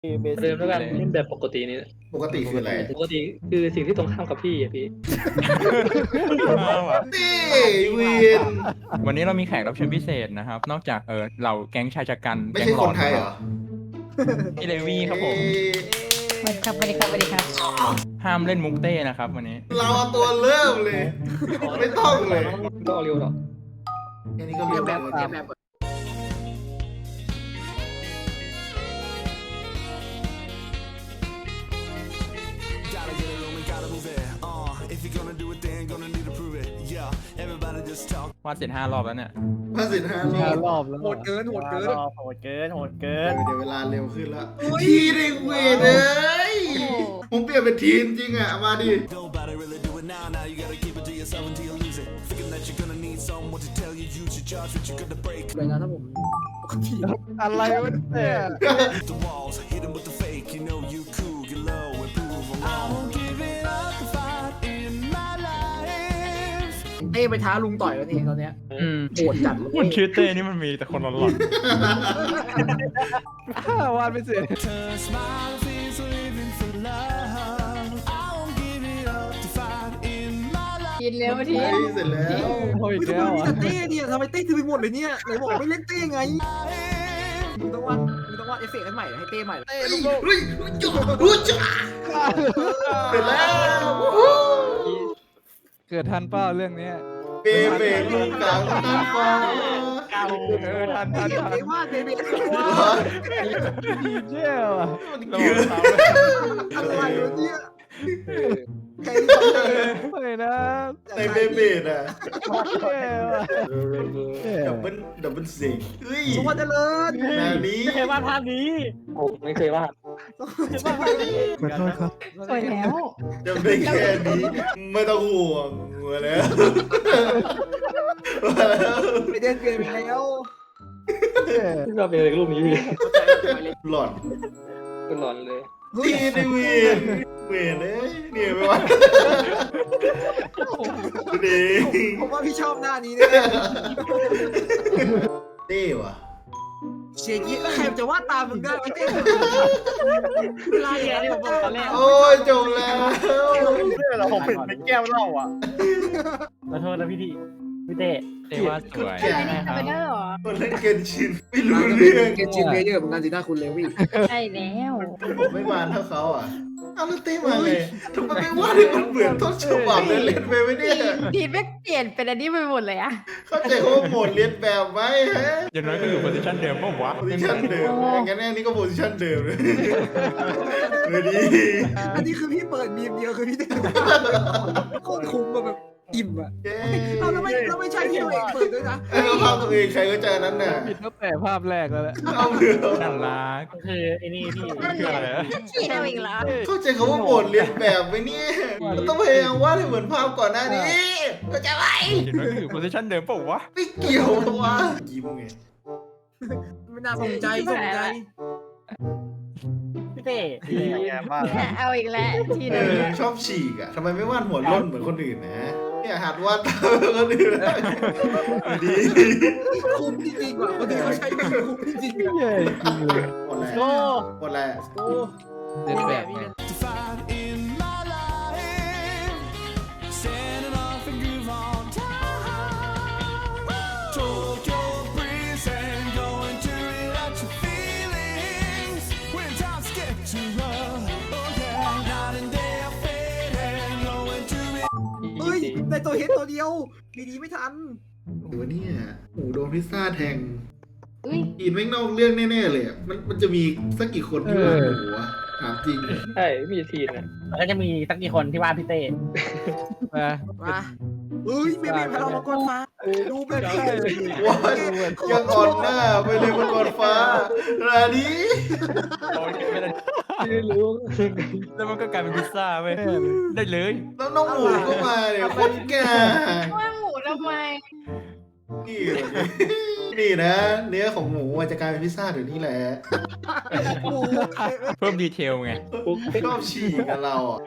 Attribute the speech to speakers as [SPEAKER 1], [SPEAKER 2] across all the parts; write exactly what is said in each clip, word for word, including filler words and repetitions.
[SPEAKER 1] เบ
[SPEAKER 2] เดิ
[SPEAKER 1] สิ
[SPEAKER 2] ม
[SPEAKER 1] ก
[SPEAKER 2] แล้วกันเล่นแบบปกตินี่
[SPEAKER 3] ปกติคืออะไร
[SPEAKER 2] ปกติคือสิ่งที่ตรงข้ามกับพี่อะพี่
[SPEAKER 3] นี่เวียน
[SPEAKER 4] วันนี้เรามีแขกรับเชิญพิเศษนะครับ นอกจากเออเหล่าแก๊งชายชะกัน
[SPEAKER 3] ไม่ใช่คนไทยเหรอ
[SPEAKER 4] พี่เลวี่ครับผม
[SPEAKER 5] สวัสดีครับสวัสดีครับสวัสดีครับ
[SPEAKER 4] ห้ามเล่นมุกเต้นะครับวันนี้
[SPEAKER 3] เราเอาตัวเริ่มเลย ไม่ต้องเลย
[SPEAKER 2] ก็เร็วหรอก
[SPEAKER 3] แค่นี้ก็เรียบแบบเรียบแบบ
[SPEAKER 6] Gotta get it on, gotta move it. Uh, if you're gonna do it, then gonna need to prove it. Yeah, everybody just talk.
[SPEAKER 4] วาดเสร็จห้ารอบแล้วเนี่ย
[SPEAKER 3] มาสิบห้าร
[SPEAKER 1] ห้า
[SPEAKER 3] อบ
[SPEAKER 1] รอบแล้ว
[SPEAKER 7] โหดเกินโหดเกิน
[SPEAKER 1] ห้ารอบโหดเกินโหดเกิน
[SPEAKER 3] เดี๋ยวเวลาเร็วขึ้นแล้วทีเด็กเวทเอ้ยผมเปลี่ยนเป็นทีมจริงอ่ะ มาดิ
[SPEAKER 6] Nobody really do it now. Now you gotta keep it to yourself until you lose it. Thinking that you're gonna need someone to tell you you should charge what you're gonna break.
[SPEAKER 7] เลยนะถ้าผมปกติ
[SPEAKER 1] อะไรวะเนี่ย
[SPEAKER 6] The walls, hit 'em with the fake. You know you cool, get low, and prove 'em wrong. I won't give it up the fight in my life.
[SPEAKER 7] เต้ไปท้าลุงต่อยแล้วนี่ตอนเนี้ย
[SPEAKER 4] อืม
[SPEAKER 7] โหดจัดเลย
[SPEAKER 4] คนชื่อเต้นี่มันมีแต่คนหลอน
[SPEAKER 1] วาดไม่เสร็จ
[SPEAKER 6] Turn smile face living for love. I won't give it up the fight in my life.
[SPEAKER 5] กินเร็วที
[SPEAKER 3] เฮ้ยเสร็จแล้ว
[SPEAKER 1] โอ้ย
[SPEAKER 7] ทำ
[SPEAKER 1] แล้
[SPEAKER 7] ไม
[SPEAKER 1] ว
[SPEAKER 7] มี
[SPEAKER 1] อ่ะ
[SPEAKER 7] แต่เต้เนี่ยทำไมเต้ถือไปหมดเลยเนี่ยไหนบอกไม่เล่นเต้ไงมึงต้องวาดมึงต้องวาดเอฟเฟกต์ให้ใหม่ให้เต้ใหม่
[SPEAKER 3] เฮ้ยเฮ้ยจุ๊บจุ๊บเสร็จแล้ว
[SPEAKER 1] เกิดทันเป้าเรื่องเนี้ย
[SPEAKER 3] เบเบลูกกลางน้ำฟ้า
[SPEAKER 1] เออทัน
[SPEAKER 7] เต้
[SPEAKER 1] ทันทัน
[SPEAKER 7] เต้วาดเต้เต้
[SPEAKER 1] ดีเจ้าอ่ะ
[SPEAKER 4] ๆระวังเท้าด้วย
[SPEAKER 7] อะไรวะเนี่ยใคร
[SPEAKER 1] เฮ้ยนะ
[SPEAKER 3] ในเบเบดอ่ะ
[SPEAKER 1] เจ้าอ่ะ
[SPEAKER 3] ดับเบิ้ลดับเบิ้ลเซ็งเฮ้ย
[SPEAKER 7] สวัสดีเลิศ
[SPEAKER 3] นานี้
[SPEAKER 1] ไม่เคยวาดภาพนี้
[SPEAKER 2] ผมไม่เคยวาด
[SPEAKER 1] ขอโทษครับ
[SPEAKER 5] สวยแล้ว
[SPEAKER 3] จำได้แค่นี้ไม่ต้องห่วงมาแล้วมาแล้ว
[SPEAKER 7] ไปเดินเปลี่ยนไปแล้ว
[SPEAKER 2] ที่ว่าเป็นรูปนี้พี่
[SPEAKER 3] หลอน
[SPEAKER 2] ก็หลอนเลย
[SPEAKER 3] ตีดิเวนเวนเอ้ยเนี่ยไม่ว่าดี
[SPEAKER 7] ผมว่าพี่ชอบหน้านี้เนี่ย
[SPEAKER 3] เต้ว่ะ
[SPEAKER 7] เชียร์กี้ใครจะวาดตามมึงได้ไม่เต้เวลาอย่างนี้ผมบอกตอนแรก
[SPEAKER 3] โอ้ยจบแล้ว
[SPEAKER 1] เนี่ยเราผมเห็นเป็นแก้วเหล้าอ่ะขอโทษนะพี่ทีพี่เต้
[SPEAKER 4] เต้วาดสวย
[SPEAKER 5] อะไรนี่ทำไปได้เหรอ
[SPEAKER 3] คนเล่นเกนชินไม่รู้เรื่อง
[SPEAKER 7] เกจินเมเยอร์เหมือนกันสิหน้าคุณเลวี่
[SPEAKER 5] ใช่แล้ว
[SPEAKER 3] ผมไม่มาเท่าเขาอ่ะเอาแล้วเต้มาไงทำไมไม่ว่าให้มันเหมือนต้นฉบับเลยเล่นไปไม่ได้
[SPEAKER 5] พีทไม่เปลี่ยนเป็นอันนี้ไปหมดเลยอะ
[SPEAKER 3] เข้าใจเขาว่าโหมดเรียนแบบไหมฮะ
[SPEAKER 4] อย่างน้อยก็อยู่โพสิชันเดิมป่าววะ
[SPEAKER 3] โพซิชันเดิมงั้นแน่นี่ก็โพซิชันเดิมเลยเลยดี
[SPEAKER 7] อันนี้คือพี่เปิดมีมเดียวคือพี่เต้โคตรคุ้มอะแบบอิ่มอะ
[SPEAKER 3] เย้
[SPEAKER 7] เอาแล้วไม่แล้วไม่ใช่ที่ตัวเองเปิดด้วยนะ
[SPEAKER 3] ไอ้เราภาพตัวเองใครก็เจอนั้นน่ะ
[SPEAKER 1] ผิดตั้งแต่ภาพแรกแล้วแหละ
[SPEAKER 3] เอาเรือ
[SPEAKER 4] น่ารัก
[SPEAKER 1] คือไอ้นี่พี่
[SPEAKER 4] คืออะไรอะ
[SPEAKER 5] ฉีดเอาอีกแล้ว
[SPEAKER 3] เข้าใจเขาว่าโหมดเรียนแบบไหมเนี่ยเราต้องพยายามวาดให้เหมือนภาพก่อนหน้านี้เข้าใจไหม
[SPEAKER 4] อย่างน้อยก็อยู่โพสิชันเดิมป่าววะ
[SPEAKER 3] ไม่เกี่ยววะยิ้มไง
[SPEAKER 7] ไม่น่าสนใจสนใจ
[SPEAKER 1] พี่เต้ดีมาก
[SPEAKER 5] เอาอีกแล้วที
[SPEAKER 3] เอ
[SPEAKER 5] นึง
[SPEAKER 3] อชอบฉีกอ่ะทำไมไม่วาดหัวร่นเหมือนคนอื่นนะเนี่ยหัดวาดตามคนอื่นนะดี
[SPEAKER 7] คุ้มจริงๆว่ะคนอื่นเขาใช้ไม่คุ้มจริงๆอะ
[SPEAKER 1] เย้จริงเลย
[SPEAKER 3] หมดแล้ว
[SPEAKER 1] โอ้
[SPEAKER 3] หมดแล้ว
[SPEAKER 7] โอ้
[SPEAKER 1] เล่นแบบไง
[SPEAKER 6] To fight in my life. Standing off and groove on time. Tokyo breeze and going to relax your feelings. When times get too rough, oh yeah. Night and day I fade and going to it.
[SPEAKER 7] เฮ้ยได้ตัวเฮดตัวเดียวดีดีไม่ทัน
[SPEAKER 3] ดูเนี่ยหมูโดนพิซซ่าแทง
[SPEAKER 5] อุ้ย
[SPEAKER 3] กินไม่นอกเรื่องแน่ๆเลยอะมันมันจะมีสักกี่คนที่วาดหมูอะถามจริง
[SPEAKER 2] ใช่มีทีนะ
[SPEAKER 1] แล้วก็จะมีสักกี่คนที่ว่าพี่เต้มา
[SPEAKER 7] มาเฮ้ยเมเมพลังมังกรฟ้าดูแบบนี้
[SPEAKER 3] ว้ายยังอ่อนหน้าไปเลยมังกรฟ้ารานี้
[SPEAKER 4] โอเคไม่ได้
[SPEAKER 2] ไม่รู้
[SPEAKER 4] แล้วมันก็กลายเป็นพิซซ่าเว้ยได้เลย
[SPEAKER 3] แล้วน้องหมูก็มาเนี่ยคนแก่
[SPEAKER 5] ว่าหมูทำไม
[SPEAKER 3] นี่นี่นะ เนื้อของหมูอะจะกลายเป็นพิซซ่าเดี๋ยวนี้แหละ
[SPEAKER 7] โอ้โห
[SPEAKER 4] เพิ่มดีเทลไง
[SPEAKER 2] ปุ๊บ
[SPEAKER 3] ชอบฉีกกันเราอ่ะ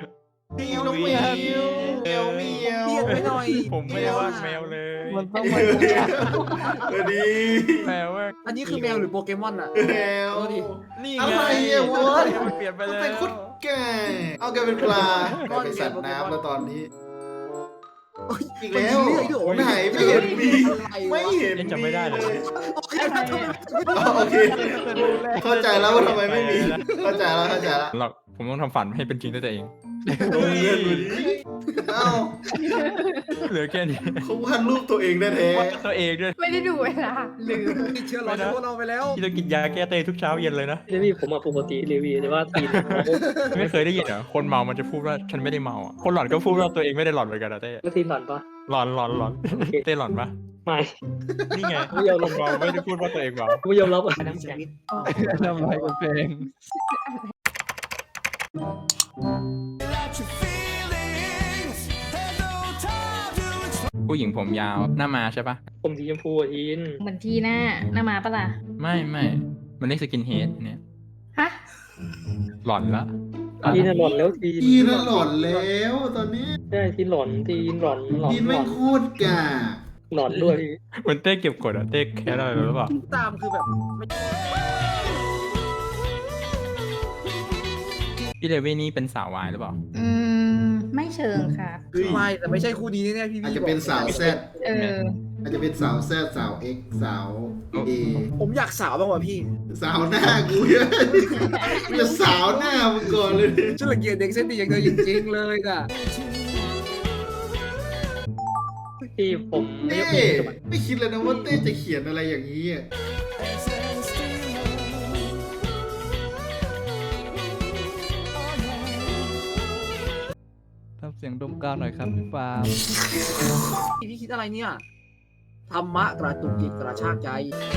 [SPEAKER 3] น้องเหมียวเหมียวเหมียว
[SPEAKER 7] เปลี่ยนไปหน่อย
[SPEAKER 4] ผมไม่ได้วาดแมวเลย
[SPEAKER 1] มันต้องมา
[SPEAKER 3] สวัสดี
[SPEAKER 4] แมวว่า
[SPEAKER 7] อันนี้คือแมวหรือโปเกมอนอ่ะ
[SPEAKER 3] แมว
[SPEAKER 7] เอาดิ
[SPEAKER 4] นี่
[SPEAKER 3] อะ
[SPEAKER 4] ไง
[SPEAKER 3] ไรอะวะ
[SPEAKER 4] มันเปลี่ยนไป
[SPEAKER 3] มัน
[SPEAKER 4] แล้ว
[SPEAKER 3] เป็นคุดแก่เอาแกเป็นปลาแกเป็นสัตว์น้ำแล้วตอนนี้อีกแล้วไหนไม่เห็นมีไม่เห็น
[SPEAKER 4] ยังจำไม่ได้เลย
[SPEAKER 7] โอเคทำไม
[SPEAKER 3] อ๋อโอเคเข้าใจแล้วว่าทำไมไม่มีเข้าใจแล้วเข้าใจแล้ว
[SPEAKER 4] หรอกผมต้องทำฝันให้เป็นจริงด้วยตัวเอง
[SPEAKER 3] โรงเรียนดูดิเอ้า
[SPEAKER 4] เหลือแค่นี้
[SPEAKER 3] เขาวาดรูปตัวเองแท้
[SPEAKER 4] วาดตัวเองด้วย
[SPEAKER 5] ไม่ได้ดูเวลาลืม
[SPEAKER 7] ติดเชื้อหลอนพวกเราไปแล้ว
[SPEAKER 4] ที่ต้องกินยาแก้เตยทุกเช้าเย็นเลยนะ
[SPEAKER 2] เลวี่ผมอะปกติเลวี่แต่ว่าตีน
[SPEAKER 4] ไม่เคยได้ยินเหรอคนเมามันจะพูดว่าฉันไม่ได้เมาอ่ะคนหลอนก็พูดว่าตัวเองไม่ได้หลอนเหมือนกันนะเต้
[SPEAKER 2] ก็ตีนหลอนปะ
[SPEAKER 4] หลอนหลอนหลอนเต้หลอนปะ
[SPEAKER 2] ไม่
[SPEAKER 4] นี่ไง
[SPEAKER 2] ไม่ยอม
[SPEAKER 4] คนเมาไม่ได้พูดว่าตัวเองเมา
[SPEAKER 2] ไม่ยอมรับอ่ะ
[SPEAKER 7] น้ำแข็ง
[SPEAKER 1] ทำอะไรกับเพลง
[SPEAKER 6] Let your feelings have no time to explain.
[SPEAKER 4] ผู้หญิงผมยาวหน้ามาใช่ปะ
[SPEAKER 2] ผมสีชมพูอ่ะทีน
[SPEAKER 5] เหมือนทีหน้าหน้ามาปะล่ะ
[SPEAKER 4] ไม่ไม่มันเรียกสกินเฮดเนี่ย
[SPEAKER 5] ฮะ
[SPEAKER 4] หลอนละ
[SPEAKER 2] ทีนน่ะหลอนแล้วทีน
[SPEAKER 3] ๆทีน่ะหลอนแล้วตอนนี้
[SPEAKER 2] ใช่ทีนหลอนทีนหลอนหลอน
[SPEAKER 3] ทีน
[SPEAKER 2] หล
[SPEAKER 3] ไม่
[SPEAKER 2] อน
[SPEAKER 3] โคตรกา
[SPEAKER 2] หลอนด้วย
[SPEAKER 4] เหมือนเต้เก็บกดอะเต้แค่อะไรหรือเปล่า
[SPEAKER 7] ตามคือแบบ
[SPEAKER 4] พี่เดวี่นี่เป็นสาววายหรือเปล่า
[SPEAKER 5] อืม ไม่เชิงค่ะ
[SPEAKER 3] เฮ้ย
[SPEAKER 7] ไม่แต่ไม่ใช่คู่นี้แน่ๆพี่
[SPEAKER 3] อาจ
[SPEAKER 7] พี่
[SPEAKER 3] จะเป็นสาวแซด
[SPEAKER 5] เออ
[SPEAKER 3] อาจจะเป็นสาวแซดสาวเอ็กสาวเอ
[SPEAKER 7] ผมอยากสาวบ้างว่ะพี่
[SPEAKER 3] สาวหน้ากูเยอะกูจะสาวหน้ามึงก่อนเลย
[SPEAKER 7] ฉันละเกียดเด็กเส้นดีอย่างเธอจริงๆเลยอ่ะ
[SPEAKER 2] ที่ผมไม่
[SPEAKER 3] เต้
[SPEAKER 2] ยกมือกับมัน
[SPEAKER 3] ไม่คิดเลยนะว่าเต้จะเขียนอะไรอย่างนี้อะ
[SPEAKER 1] ทำเสียงดมกาวหน่อยครับพี่ฟาร์ม
[SPEAKER 7] พี่คิดอะไรเนี่ยธรรมะกระตุกจิตกระชากใจ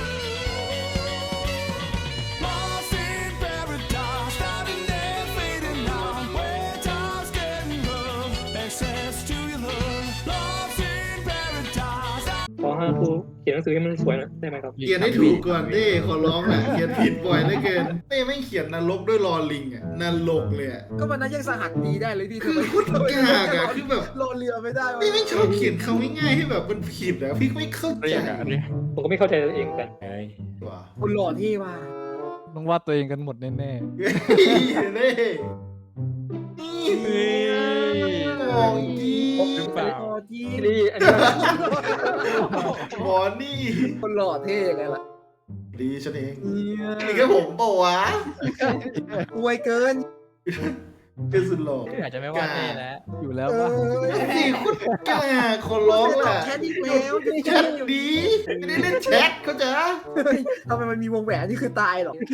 [SPEAKER 6] Lost in paradise, starting there, fading out. Where time's getting rough, access to your love. Lost in paradise.
[SPEAKER 2] ขอห้าครูเขียนหนังสือให้มันสวยหนะได้ไหมครับ
[SPEAKER 3] เขียนให้ถูกก่อนเต้ขอร้องแหละเขียนผิดบ่อยเหลือเกินเต้ไม่เขียนนรกด้วยรอลิงอะนรกเลยอะ
[SPEAKER 7] ก็มันนั้นยังสหัสดีได้เลยพี่
[SPEAKER 3] คือโคตรยากอะคือแบบ
[SPEAKER 7] รอเรือไม่ได้วะ
[SPEAKER 3] พี่ไม่ชอบเขียนคำง่ายๆให้แบบมันผิดอะพี่ไม่เข้า
[SPEAKER 4] เรี
[SPEAKER 3] ใจ
[SPEAKER 4] ยกอะเรียก
[SPEAKER 2] ผมก็ไม่เข้าใจตัวเองเหมือนกัน
[SPEAKER 4] เฮ้ย
[SPEAKER 3] ว่ะ
[SPEAKER 7] คนหล่อที่ว่า
[SPEAKER 1] ต้องวาดตัวเองกันหมดแน่
[SPEAKER 3] เฮ้ยเน่
[SPEAKER 4] เฮ้ย
[SPEAKER 3] มองจี
[SPEAKER 4] หรือเปล่า
[SPEAKER 7] หล่อที่
[SPEAKER 2] นี่อันนี้
[SPEAKER 3] หมอนี่
[SPEAKER 7] คนหล่อเท่ไงล่ะ
[SPEAKER 3] ดีฉันเองนี่แค่ผมเปล่าวะ
[SPEAKER 7] อวยเกิน
[SPEAKER 3] เป็นสุดหล่อ
[SPEAKER 4] อาจจะไม่ว่าเต้แล้ว
[SPEAKER 1] ๆ อยู่แล้ว
[SPEAKER 7] เอ
[SPEAKER 1] ว่า
[SPEAKER 7] อ
[SPEAKER 3] นี่คุณกล้าขอร้องแหละ
[SPEAKER 7] แค่นี้แล้ว
[SPEAKER 3] แชทดีไม่ได้เล่นแชทเขาใจ
[SPEAKER 7] ทำไมมันมีวงแหวนนี่คือตายหรอ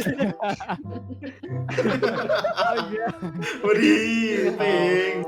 [SPEAKER 3] พอดีเอง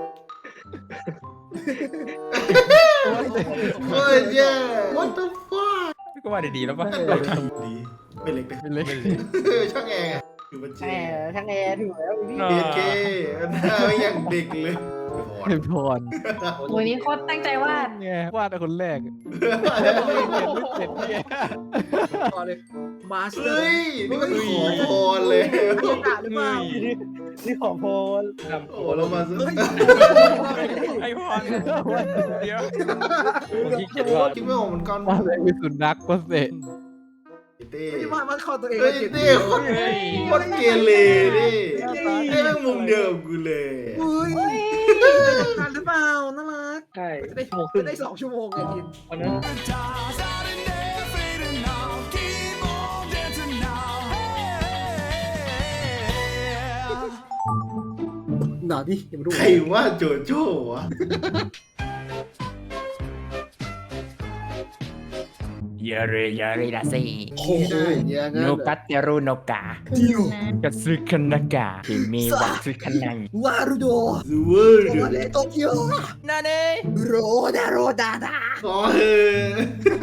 [SPEAKER 3] โอ้ยเย้ what the fuck
[SPEAKER 4] ก็ว่าดีๆแล้วป่ะ
[SPEAKER 3] ดีไม่เล็กนะ
[SPEAKER 1] เป็นเล็ก
[SPEAKER 3] ช่างแอร์อยู่บนเจ
[SPEAKER 5] แหมทั้งแอร์ถูกแล้วพี่
[SPEAKER 3] เอเคหน้าไม่อย่างเด็กเลย
[SPEAKER 1] ให้พร
[SPEAKER 5] โอ้ยนี่โคตรตั้งใจวาด
[SPEAKER 1] ไงวาดแต่คนแรกแล้วตัวเองเขียนไม่เสร็จเนี่ย
[SPEAKER 7] ต่อเลยมาสเตอร์
[SPEAKER 3] เฮ้ยนี่มันขอพรเลย
[SPEAKER 7] เกียรติหรือเปล่า
[SPEAKER 1] นี่ขอพร
[SPEAKER 3] โอ้เรามาซะ
[SPEAKER 4] ไอ้พรเดี๋ยว
[SPEAKER 2] ผมที่เขียนว่า
[SPEAKER 3] คิดไม่ออกเหมือนกัน
[SPEAKER 1] วาดอะไรมีสุนัขก็เสร็จ
[SPEAKER 3] เต้
[SPEAKER 7] ไม่มามาเข้าตัวเอง
[SPEAKER 3] เฮ้ยเต้โคตรโคตรเกเรดิไอ้แม่งมุมเดิมกูเลย
[SPEAKER 7] เฮ้ยทานหรือเปล่าน่ารัก
[SPEAKER 2] ใช่
[SPEAKER 7] จะได้
[SPEAKER 2] ชั่วโมงครึ่ง
[SPEAKER 7] จะได้สองชั่วโมงไงทีน
[SPEAKER 2] วันนั้น
[SPEAKER 6] Paradise, out in there, fading out. Keep on dancing now. Hey.
[SPEAKER 7] หนาดิอย่ามาดู
[SPEAKER 3] ใครว่าโจโจ้วะ
[SPEAKER 4] ยาเรยาเรดาซี
[SPEAKER 7] โอ้โหอย่างนั้น
[SPEAKER 4] โนกัตเตรุโนกา
[SPEAKER 7] ดิว
[SPEAKER 4] กัตสึคานากะที่มีวาสึคานัง
[SPEAKER 7] วารุโด
[SPEAKER 3] ซูเวอร์
[SPEAKER 7] โอเลโตเกียว
[SPEAKER 4] นาเน่
[SPEAKER 7] โรดาโรดาดา
[SPEAKER 3] ขอเถอะ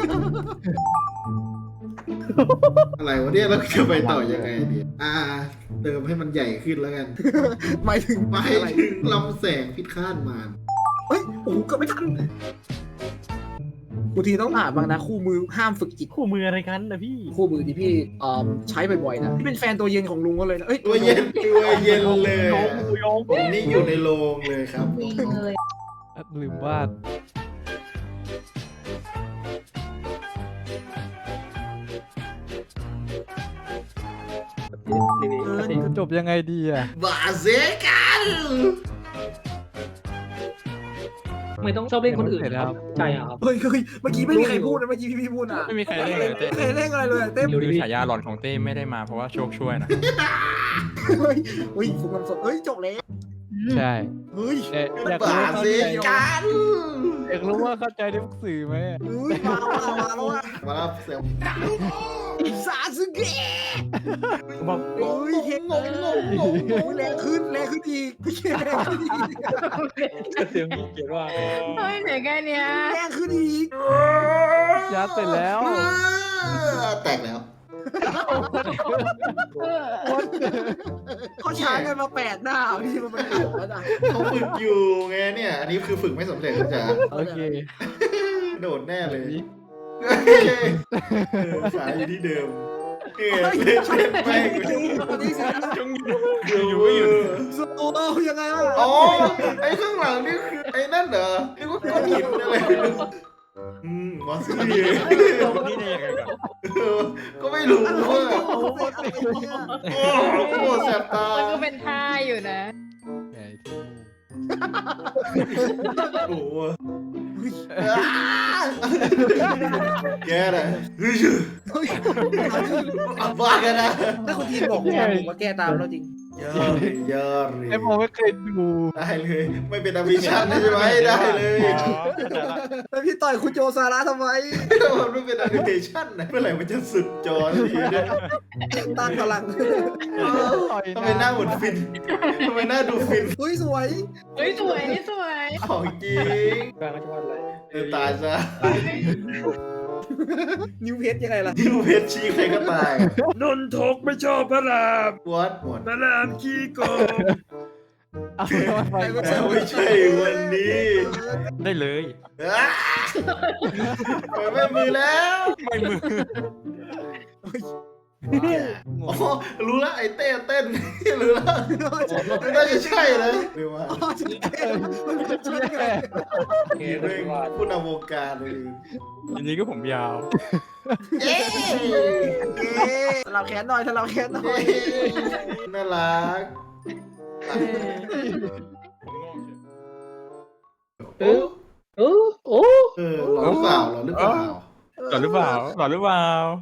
[SPEAKER 3] อะไรวะเนี่ยเราจะไปต่อยังไงดีอ่า เติมให้มันใหญ่ขึ้นแล้วกัน
[SPEAKER 7] หมายถึง
[SPEAKER 3] ไป
[SPEAKER 7] อะไร
[SPEAKER 3] ถึงลำแสงพิฆาตมาร
[SPEAKER 7] เฮ้ยโอ้โหเก็ไม่ทันบางทีต้องถามบ้างนะคู่มือห้ามฝึกจิต
[SPEAKER 1] คู่มืออะไรกันนะพี่
[SPEAKER 7] คู่มือที่พี่เอ่อใช้บ่อยๆนะพี่เป็นแฟนตัวเย็นของลุงก็เลยนะเอ้ย
[SPEAKER 3] ตัวเย็นตัวเย็นเลย
[SPEAKER 1] โยงโยง
[SPEAKER 3] ผมนี่อยู่ในโรงเลยครับ
[SPEAKER 5] จริงเลย
[SPEAKER 8] ลืมวาด
[SPEAKER 2] ดีๆครับพี่
[SPEAKER 8] จะจบยังไงดีอ่ะ
[SPEAKER 3] บาเซกัน
[SPEAKER 2] ไม่ต้องชอบเล่นคนอื่นนะครับใช่ครับ
[SPEAKER 7] เฮ้ยเฮ้ยเมื่อกี้ไม่มีใครพูดนะเมื่อกี้พี่พี่พูดอ่ะ
[SPEAKER 4] ไม่มีใครเล่นเลยเต้
[SPEAKER 7] ไม่เคยเล่นอะไรเลยอะเต้ม
[SPEAKER 2] ดูดิ
[SPEAKER 4] คือฉายาหลอนของเต้ไม่ได้มาเพราะว่าโชคช่วยนะ
[SPEAKER 7] เฮ้ยเฮ้ยฝึกคำสดเฮ้ยจบแล้ว
[SPEAKER 8] ใช่
[SPEAKER 7] เฮ้ย
[SPEAKER 8] เอ๊ะอยาก
[SPEAKER 3] บา
[SPEAKER 8] รู้ว่า
[SPEAKER 3] เซ
[SPEAKER 8] เข้าใจ
[SPEAKER 3] กัน
[SPEAKER 8] อยากรู้ว่าเข้าใจได้ทุกสื่อไหม
[SPEAKER 7] เฮ้ยมามามาแล้วอ่ะ
[SPEAKER 3] มาแล้วเสียง
[SPEAKER 7] ซาสึเกะ
[SPEAKER 1] บอก
[SPEAKER 7] เฮ้ยเห็นงงงงงงแรงขึ้นแรงขึ้นอีกแรงขึ้นอีก
[SPEAKER 2] เสียงพี่เขียนว่า
[SPEAKER 5] เฮ้ยเหนื่อยแค่เนี้ย
[SPEAKER 7] แรงขึ้นอีก
[SPEAKER 8] ยัดเสร็จแล้ว
[SPEAKER 3] แตกแล้ว
[SPEAKER 7] เขาช้ากันมาแปดหน้าพี่มันเป็นหกแล้วนะ
[SPEAKER 3] เขาฝึกอยู่ไงเนี่ย อันนี้คือฝึกไม่สำเร็จนะจ๊ะ
[SPEAKER 8] โอเค
[SPEAKER 3] โดดแน่เลยสายอยู่ที่เดิมเล่นเล่นไป
[SPEAKER 7] ตอนนี้สิ
[SPEAKER 3] อยู่ไม่อยู่
[SPEAKER 7] โซโล่ยังไงวะ
[SPEAKER 3] อ๋อไอ้ข้างหลังนี่คือไอ้นั่นเหรอนึกว่าก้อนหินอะไรอืมวาซิลี
[SPEAKER 4] ตรงนี้ได้ยังไงกัน
[SPEAKER 3] ก็ไม่รู้ว่า
[SPEAKER 7] โอ้โหอะไรเนี่ย
[SPEAKER 3] โอ้โหแสบตา
[SPEAKER 5] มันก็เป็นท่าอยู่นะ
[SPEAKER 3] โอ้โหแกน่ะเฮ้ยอับบ้ากันนะ
[SPEAKER 7] ถ้าคุณทีมบอกว่าผมว่าแก้ตามแล้วจริง
[SPEAKER 3] ยอดเลยยอดเลย
[SPEAKER 8] ไอ้ผมไม่เคยดู
[SPEAKER 3] ได้เลย ไม่เป็นอภิชันใช่ไหมได้เลย
[SPEAKER 4] อ๋อเข้าใจละ
[SPEAKER 7] แล้วพี่ต่อยคุณโจซาระทำไม
[SPEAKER 3] มันไม่เป็นอนิเมชั่นนะเมื่อไหร่มันจะสุดจอสักทีเนี่ย
[SPEAKER 7] ตั้งพลัง
[SPEAKER 3] ทำไมหน้าเหมือนฟินทำไมหน้าดูฟิน
[SPEAKER 7] เฮ้ยสวย
[SPEAKER 5] เฮ้ยสวยนี่สวย
[SPEAKER 3] ของจริง
[SPEAKER 2] กลางจะวาดอะไร
[SPEAKER 3] เออตายซะ
[SPEAKER 7] นิวเพชรยังไงล่ะ
[SPEAKER 3] ที่เพชรชี้ใครก็ตาย
[SPEAKER 7] นนทกไม่ชอบพระราม
[SPEAKER 3] วัดหมด
[SPEAKER 7] พระรามขี้โกง
[SPEAKER 8] เอาไปไป
[SPEAKER 3] แต่ไม่ใช่วันนี้
[SPEAKER 4] ได้เลย
[SPEAKER 3] อ้าเปิดไม่มือแล้ว
[SPEAKER 4] ไม่มือ
[SPEAKER 3] อ๋อรู้แล้วไอ้เต้เต้นรู้แล้วน่าจะใช่เลยหรือว่า
[SPEAKER 7] มันเป็นชุดไง
[SPEAKER 2] เก
[SPEAKER 3] นี่
[SPEAKER 2] ม
[SPEAKER 3] เรื่อง
[SPEAKER 2] วาด
[SPEAKER 3] ผู้นำวงการเลย
[SPEAKER 4] อันนี้ก็ผมยาว
[SPEAKER 3] เย้
[SPEAKER 7] สลับแขนหน่อยสลับแขนหน่อย
[SPEAKER 3] น่ารัก
[SPEAKER 4] ผมงงเฉย
[SPEAKER 2] เออเออโอ้
[SPEAKER 3] เออหรอหรือเปล่าหรอหรือเปล่า
[SPEAKER 4] หลอนหรือเปล่าหลอนหรือเปล่า